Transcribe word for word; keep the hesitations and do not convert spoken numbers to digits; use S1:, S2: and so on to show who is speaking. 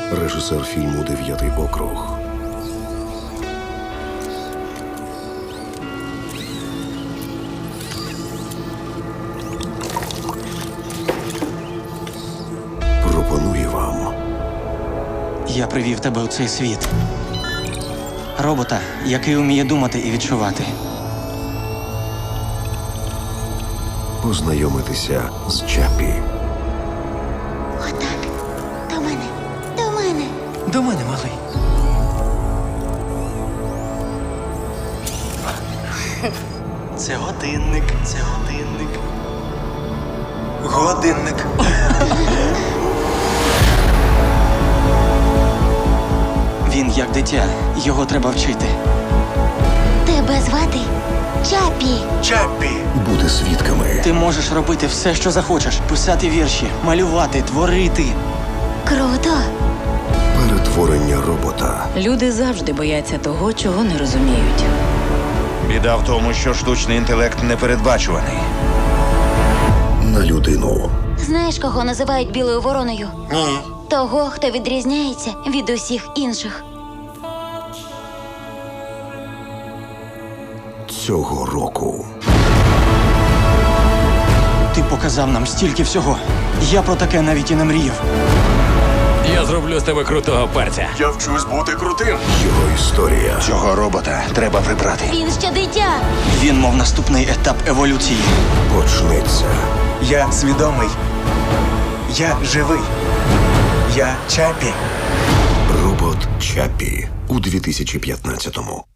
S1: Режисер фільму «Дев'ятий округ». Пропонує вам
S2: Я привів тебе у цей світ. Робота, який вміє думати і відчувати.
S1: познайомитися з Чаппі.
S3: Отак. До мене. До мене.
S2: До мене, малий. Це годинник, це годинник. Годинник. Він як дитя, його треба вчити.
S3: Тебе звати Чаппі.
S2: Чаппі!
S1: Бути свідками
S2: Ти можеш робити все, що захочеш. Писати вірші, малювати, творити.
S3: Круто.
S1: перетворення робота
S4: Люди завжди бояться того, чого не розуміють.
S5: Біда в тому, що штучний інтелект непередбачуваний.
S1: на людину.
S3: Знаєш, кого називають білою вороною?
S2: Ні.
S3: Того, хто відрізняється від усіх інших.
S1: Цього року
S2: Ти показав нам стільки всього. Я про таке навіть і не мріяв.
S6: Я зроблю з тебе крутого парця.
S1: його історія
S5: Цього робота треба прибрати.
S3: Він ще дитя.
S2: Він мов наступний етап еволюції.
S1: почнеться
S7: Я свідомий. Я живий. Я Чаппі.
S1: робот Чаппі у дві тисячі п'ятнадцятому.